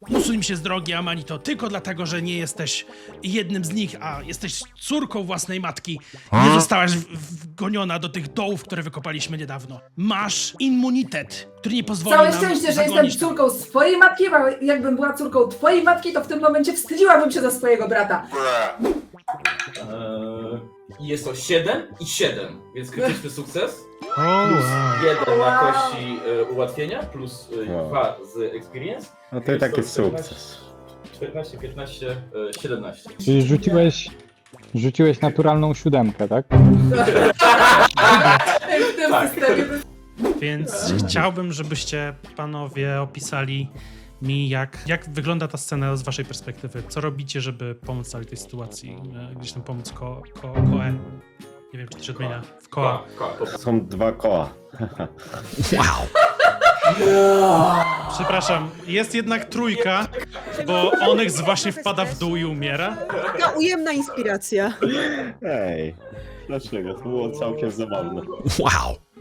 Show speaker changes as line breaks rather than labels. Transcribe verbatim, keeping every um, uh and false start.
Usuń się z drogi, Amanito, tylko dlatego, że nie jesteś jednym z nich, a jesteś córką własnej matki. Nie zostałaś w- wgoniona do tych dołów, które wykopaliśmy niedawno. Masz immunitet, który nie pozwoli
Całe
nam
szczęście, że jestem
zagonić tam.
córką swojej matki, bo jakbym była córką twojej matki, to w tym momencie wstydziłabym się za swojego brata.
Eee, I jest to siedem i siedem, więc krytyczny sukces.
O, wow.
jeden na kości e, ułatwienia, plus
Wow.
dwa z experience.
No to i taki sukces.
czternaście, piętnaście, e, siedemnaście.
Czyli rzuciłeś, rzuciłeś naturalną siódemkę, tak?
W tym
Tak.
systemie.
Więc chciałbym, żebyście panowie opisali mi, jak, jak wygląda ta scena z waszej perspektywy. Co robicie, żeby pomóc całej tej sytuacji? E, Gdzieś tam pomóc ko, ko, Koe. Nie wiem, czy to się odmienia. W Koa.
Koła, koła, po-
Są dwa koła.
Przepraszam, jest jednak trójka, bo Onyx właśnie wpada w dół i umiera.
Taka ujemna inspiracja.
Ej, dlaczego? To było całkiem zabawne.
Wow.